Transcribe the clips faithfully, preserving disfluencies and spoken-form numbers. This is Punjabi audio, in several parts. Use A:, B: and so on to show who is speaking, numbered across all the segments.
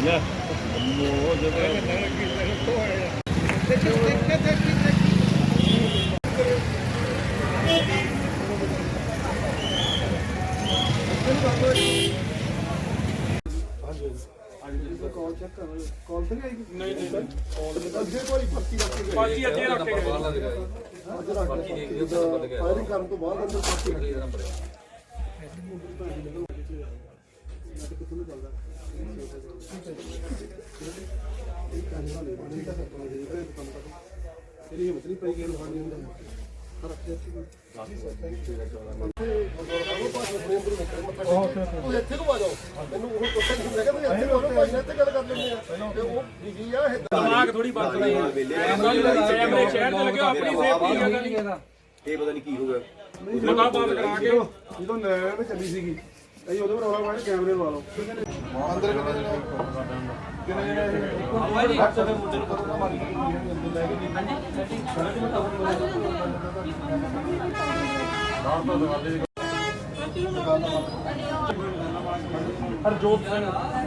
A: कॉल चेक कर कॉल तो नहीं आएगी नहीं नहीं
B: ਅੱਗੇ ਕੋਈ ਪੱਕੀ ਰੱਖ ਕੇ
A: बाकी ਅੱਗੇ ਰੱਖ ਕੇ
B: ਬਾਹਰ ਲੱਗ ਗਿਆ ਫਾਇਰਿੰਗ ਕਰਨ ਤੋਂ ਬਾਅਦ ਅੰਦਰ ਪੱਕੀ ਰੱਖ ਲਿਆ ਨੰਬਰ ਤੇਰੀ ਹਿੰਮਤ ਨਹੀਂ ਪਈ ਕਿ ਲਹਾਨੀ ਹੁੰਦਾ ਰੱਖਿਆ ਸੀ ਉਹ ਇੱਥੇ ਨੂੰ ਆ ਜਾਓ ਮੈਨੂੰ ਉਹ ਕੁਐਸਚਨ ਮੈਂ ਕਹਿੰਦਾ ਇੱਥੇ ਨੂੰ ਭਾਈ ਨਾਲ ਤੇ ਗੱਲ ਕਰ ਲੈਂਦੇ ਆ ਤੇ ਉਹ ਬਿਜੀ ਆ
A: ਦਿਮਾਗ ਥੋੜੀ ਬੰਦ ਨਹੀਂ ਕੈਮਰੇ ਸ਼ਹਿਰ ਤੇ ਲੱਗੇ ਆਪਣੀ ਸੇਫਟੀ ਹੈਗਾ ਨਹੀਂ
B: ਇਹ ਪਤਾ ਨਹੀਂ ਕੀ ਹੋ ਗਿਆ
A: ਮਤਾ ਬੰਦ ਕਰਾ ਕੇ
B: ਜਦੋਂ ਨੈਣ ਤੇ ਚੱਲੀ ਸੀਗੀ ਅਸੀਂ ਉਹਦੇ ਪਰ ਰੌਲਾ ਪਾਇਆ ਕੈਮਰੇ ਲਵਾ ਲਓ ਅੰਦਰ ਕਿੰਨੇ ਜਣੇ ਕਿੰਨੇ ਜਣੇ ਆਵਾਜ਼ ਹੀ ਹੱਥ ਦੇ ਮੁੱਦੇ ਨੂੰ ਕਰੋਨਾ ਮਾਰੀ ਅੰਦਰ ਲੈ ਕੇ ਨਹੀਂ
A: ਹਰਜੋਤ ਸਿੰਘ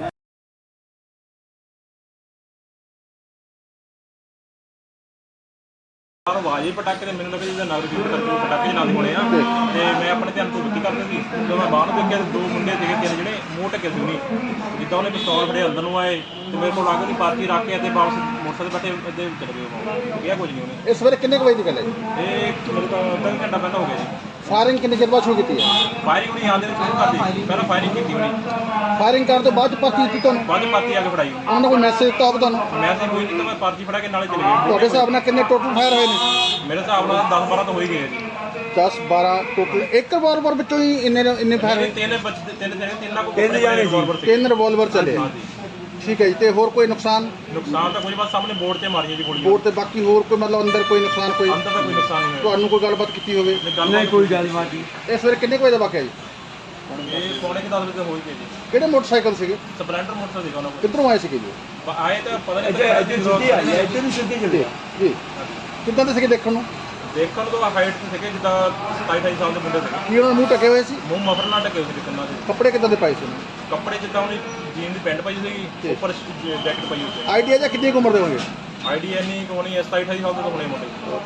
A: ਆਵਾਜ਼ ਹੀ ਪਟਾਕੇ ਤੇ ਮੈਨੂੰ ਲੱਗਾ ਜਿਹਦਾ ਨਗਰ ਕੀਰਤਨ ਕਰਕੇ ਪਟਾਕੇ ਚਲਾਉਂਦੇ ਹੋਣੇ ਆ ਤੇ ਮੈਂ ਆਪਣੇ ਧਿਆਨ ਤੋਂ ਵਿੱਤੀ ਕਰਦੇ ਸੀ ਜਦੋਂ ਮੈਂ ਬਾਹਰ ਨੂੰ ਦੇਖਿਆ ਤੇ ਦੋ ਮੁੰਡੇ ਸੀਗੇ ਤਿੰਨ ਜਿਹੜੇ ਮੂੰਹ ਢੱਕੇ ਸੀ ਨਹੀਂ ਜਿੱਦਾਂ ਉਹਨੇ ਪਿਸਤੌਲ ਫੜੇ ਅੰਦਰ ਨੂੰ ਆਏ ਤੇ ਮੇਰੇ ਕੋਲ ਲਾਗੇ ਦੀ ਪਾਰਟੀ ਰੱਖ ਕੇ ਤੇ ਵਾਪਸ ਮੋਟਰਸਾਈਕਲ ਬੈਠੇ ਇੱਥੇ ਚਲੇ ਗਏ ਉਹ ਕਿਹਾ ਕੁਝ ਨਹੀਂ ਉਹਨੇ
C: ਇਸ ਵੇਲੇ ਕਿੰਨੇ ਕੁ ਵਜੇ ਦੀ ਗੱਲ ਹੈ ਜੀ?
A: ਇਹ ਮੇਰੇ ਤੋਂ ਅੱਧਾ ਘੰਟਾ ਪਹਿਲਾਂ ਹੋ ਗਿਆ ਜੀ
C: ਫਾਇਰਿੰਗ ਕਿੰਨੇ ਚਿਰ ਬਾਅਦ ਸ਼ੁਰੂ ਕੀਤੀ ਹੈ?
A: ਫਾਇਰਿੰਗ ਨਹੀਂ ਆਉਂਦੇ ਸ਼ੁਰੂ ਕਰਦੀ ਪਹਿਲਾਂ ਫਾਇਰਿੰਗ ਕੀਤੀ ਹੋਣੀ
C: ਫਾਇਰਿੰਗ ਕਰਨ ਤੋਂ ਬਾਅਦ ਪਾਰਟੀ ਦਿੱਤੀ ਤੁਹਾਨੂੰ?
A: ਬਾਅਦ ਪਾਰਟੀ ਆ ਕੇ ਫੜਾਈ
C: ਉਹਨਾਂ ਨੇ ਕੋਈ ਮੈਸੇਜ ਦਿੱਤਾ ਹੋਵੇ ਤੁਹਾਨੂੰ?
A: ਮੈਂ ਤਾਂ ਕੋਈ ਨਹੀਂ ਤਾਂ ਮੈਂ ਪਾਰਟੀ ਫੜਾ ਕੇ ਨਾਲੇ ਚਲੇ ਗਏ
C: ਤੁਹਾਡੇ ਹਿਸਾਬ ਨਾਲ ਕਿੰਨੇ ਟੋਟਲ ਫਾਇਰ ਹੋਏ ਨੇ?
A: ਮੇਰੇ ਹਿਸਾਬ ਨਾਲ ਦਸ ਬਾਰਾਂ ਤਾਂ ਹੋ ਹੀ ਗਏ ਜੀ
C: ਦਸ ਬਾਰਾਂ ਟੋਟਲ ਇੱਕ ਰਿਵਾਲਵਰ ਵਿੱਚੋਂ ਹੀ ਇੰਨੇ ਇੰਨੇ ਫਾਇਰ ਹੋਏ?
A: ਤਿੰਨ ਬੱਚੇ ਤਿੰਨ ਤਿੰਨ ਤਿੰਨਾਂ ਕੋ ਤਿੰਨ ਜਾਣੇ ਸੀ
C: ਤਿੰਨ ਰਿਵਾਲਵਰ ਚੱਲੇ। ਠੀਕ ਹੈ ਜੀ। ਤੇ ਹੋਰ ਕੋਈ ਨੁਕਸਾਨ?
A: ਨੁਕਸਾਨ ਤਾਂ ਕੋਈ ਬਸ ਸਾਹਮਣੇ ਬੋਰਡ ਤੇ ਮਾਰੀਆਂ ਜੀ ਗੋਲੀਆਂ
C: ਬੋਰਡ ਤੇ ਬਾਕੀ ਹੋਰ ਕੋਈ ਮਤਲਬ ਅੰਦਰ ਕੋਈ ਨੁਕਸਾਨ ਕੋਈ
A: ਅੰਦਰ ਤਾਂ ਕੋਈ ਨੁਕਸਾਨ ਨਹੀਂ ਹੋਇਆ
C: ਤੁਹਾਨੂੰ ਕੋਈ ਗੱਲਬਾਤ ਕੀਤੀ ਹੋਵੇ?
A: ਨਹੀਂ ਕੋਈ ਗੱਲਬਾਤ ਨਹੀਂ
C: ਇਸ ਵੇਲੇ ਕਿੰਨੇ ਕੁ ਵਜੇ ਦਾ ਵਾਕਿਆ ਜੀ?
A: ਇਹ ਪੌਣੇ ਕਿ ਦਸ ਵਜੇ ਹੋਈ ਗਈ ਜੀ
C: ਕਿਹੜੇ ਮੋਟਰਸਾਈਕਲ ਸੀਗੇ?
A: ਸਪਲੈਂਡਰ ਮੋਟਰਸਾਈਕਲ ਸੀਗਾ ਉਹਨਾਂ ਕੋਲ
C: ਕਿੱਧਰੋਂ ਆਏ ਸੀਗੇ ਜੀ?
A: ਆਏ ਤਾਂ ਪਤਾ ਨਹੀਂ ਇੱਧਰ ਸਿੱਧੀ ਆਈ ਹੈ ਇੱਧਰ ਨੂੰ ਸਿੱਧੀ
C: ਜੀ ਜੀ ਕਿੱਦਾਂ ਦੇ ਸੀਗੇ ਦੇਖਣ ਨੂੰ?
A: ਦੇਖਣ ਤੋਂ ਹਾਈਟ ਤੇ ਸੀਗੇ ਜਿੱਦਾਂ ਸਤਾਈ ਅਠਾਈ ਸਾਲ ਦੇ ਮੁੰਡੇ ਸੀਗੇ
C: ਕੀ ਉਹਨਾਂ ਦੇ ਮੂੰਹ ਢਕੇ ਹੋਏ ਸੀ?
A: ਮੂੰਹ ਮਫਰ ਨਾਲ ਢਕੇ ਹੋਏ ਸੀ ਕੰਨਾਂ ਦੇ
C: ਕੱਪੜੇ ਕਿੱਦਾਂ ਦੇ ਪਾਏ ਸੀ?
A: ਕੱਪੜੇ ਜਿੱਦਾਂ ਉਹਨੇ ਜੀਨ ਦੀ ਪੈਂਟ ਪਾਈ ਸੀਗੀ ਉੱਪਰ ਜੈਕਟ ਪਾਈ ਹੋਈ ਸੀ
C: ਆਈਡੀਆ ਜਾਂ ਕਿੰਨੀ ਕੁ ਉਮਰ ਦੇ ਹੋਣਗੇ?
A: ਆਈਡੀਆ ਨਹੀਂ ਕੋਣੀ ਸਤਾਈ ਅਠਾਈ ਸਾਲ ਦੇ ਤਾਂ ਹੋਣੇ ਮੁੰਡੇ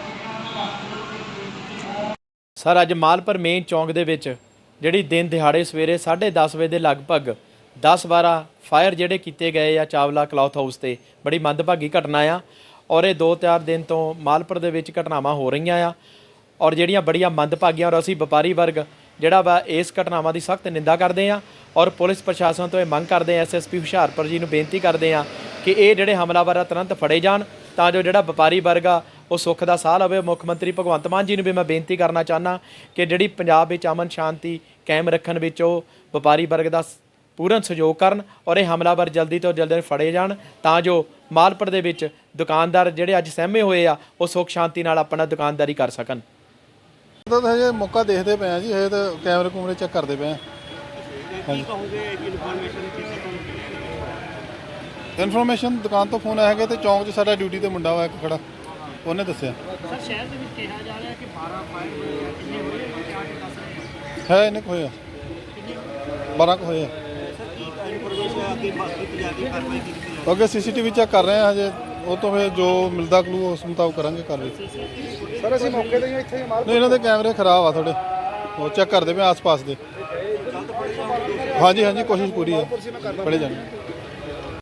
D: ਸਰ ਅੱਜ ਮਾਲਪੁਰ ਮੇਨ ਚੌਂਕ ਦੇ ਵਿੱਚ ਜਿਹੜੀ ਦਿਨ ਦਿਹਾੜੇ ਸਵੇਰੇ ਸਾਢੇ ਦਸ ਵਜੇ ਦੇ ਲਗਭਗ ਦਸ ਬਾਰਾਂ ਫਾਇਰ ਜਿਹੜੇ ਕੀਤੇ ਗਏ ਆ ਚਾਵਲਾ ਕਲੌਥ ਹਾਊਸ ਤੇ ਬੜੀ ਮੰਦਭਾਗੀ ਘਟਨਾ ਆ ਔਰ ਇਹ ਦੋ ਚਾਰ ਦਿਨ ਤੋਂ ਮਾਲਪੁਰ ਦੇ ਵਿੱਚ ਘਟਨਾਵਾਂ ਹੋ ਰਹੀਆਂ ਆ ਔਰ ਜਿਹੜੀਆਂ ਬੜੀਆਂ ਮੰਦਭਾਗੀਆਂ ਔਰ ਅਸੀਂ ਵਪਾਰੀ ਵਰਗ ਜਿਹੜਾ ਵਾ ਇਸ ਘਟਨਾਵਾਂ ਦੀ ਸਖਤ ਨਿੰਦਾ ਕਰਦੇ ਆ ਔਰ ਪੁਲਿਸ ਪ੍ਰਸ਼ਾਸਨ ਤੋਂ ਇਹ ਮੰਗ ਕਰਦੇ ਆ ਐਸ ਐਸ ਪੀ ਹੁਸ਼ਿਆਰਪੁਰ ਜੀ ਨੂੰ ਬੇਨਤੀ ਕਰਦੇ ਆ ਕਿ ਇਹ ਜਿਹੜੇ ਹਮਲਾਵਰ ਆ ਤੁਰੰਤ ਫੜੇ ਜਾਣ ਤਾਂ ਜੋ ਜਿਹੜਾ ਵਪਾਰੀ ਵਰਗ ਆ ਉਹ ਸੁੱਖ ਦਾ ਸਾਹ ਲਵੇ। ਮੁੱਖ ਮੰਤਰੀ ਭਗਵੰਤ ਮਾਨ ਜੀ ਨੂੰ ਵੀ ਮੈਂ ਬੇਨਤੀ ਕਰਨਾ ਚਾਹੁੰਦਾ ਕਿ ਜਿਹੜੀ ਪੰਜਾਬ ਵਿੱਚ ਅਮਨ ਸ਼ਾਂਤੀ ਕਾਇਮ ਰੱਖਣ ਵਿੱਚ ਉਹ ਵਪਾਰੀ ਵਰਗ ਦਾ ਪੂਰਨ ਸਹਿਯੋਗ ਕਰਨ ਔਰ ਇਹ ਹਮਲਾਵਰ ਜਲਦੀ ਤੋਂ ਜਲਦੀ ਫੜੇ ਜਾਣ ਤਾਂ ਜੋ ਮਾਲਪੁਰ ਦੇ ਵਿੱਚ ਦੁਕਾਨਦਾਰ ਜਿਹੜੇ ਅੱਜ ਸਹਿਮੇ ਹੋਏ ਆ ਉਹ ਸੁੱਖ ਸ਼ਾਂਤੀ ਨਾਲ ਆਪਣਾ ਦੁਕਾਨਦਾਰੀ ਕਰ ਸਕਣ।
E: ਤਾਂ ਹਜੇ ਮੌਕਾ ਦੇਖਦੇ ਪਏ ਆ ਜੀ ਹਜੇ ਤਾਂ ਕੈਮਰੇ ਕੂਮਰੇ ਚੈੱਕ ਕਰਦੇ ਪਏ ਆ। ਇਨਫੋਰਮੇਸ਼ਨ ਦੁਕਾਨ ਤੋਂ ਫੋਨ ਆਇਆ ਹੈਗਾ ਤੇ ਚੌਂਕ 'ਚ ਸਾਡਾ ਡਿਊਟੀ ਤੇ ਮੁੰਡਾ ਹੋਇਆ ਇੱਕ ਖੜਾ ਉਹਨੇ ਦੱਸਿਆ
F: ਸਰ ਸ਼ਹਿਰ ਦੇ ਵਿੱਚ ਕਿਹਾ ਜਾ ਰਿਹਾ ਕਿ ਬਾਰਾਂ ਫਾਇਰ ਹੋਏ ਆ ਕਿੰਨੇ ਹੋਏ ਆ ਕਿਆ ਦੱਸ ਰਹੇ
E: ਹੈ ਇਹਨੇ ਕੁ ਹੋਇਆ ਬਾਰਾਂ ਕੁ ਹੋਏ ਆ। ਅੱਗੇ ਸੀ ਸੀ ਟੀ ਵੀ ਚੈੱਕ ਕਰ ਰਹੇ ਆ ਹਜੇ ਉਹ ਤੋਂ ਫਿਰ ਜੋ ਮਿਲਦਾ ਕਲੂ ਉਸ ਮੁਤਾਬਕ ਕਰਾਂਗੇ ਕਾਰਵਾਈ।
C: ਸਰ ਅਸੀਂ ਮੌਕੇ ਤੇ ਇੱਥੇ
E: ਨਹੀਂ ਇਹਨਾਂ ਦੇ ਕੈਮਰੇ ਖਰਾਬ ਆ ਥੋੜੇ ਉਹ ਚੈੱਕ ਕਰਦੇ ਪਏ ਆਸ ਪਾਸ ਦੇ। ਹਾਂਜੀ ਹਾਂਜੀ ਕੋਸ਼ਿਸ਼ ਪੂਰੀ ਹੈ ਫੜੇ ਜਾਣ।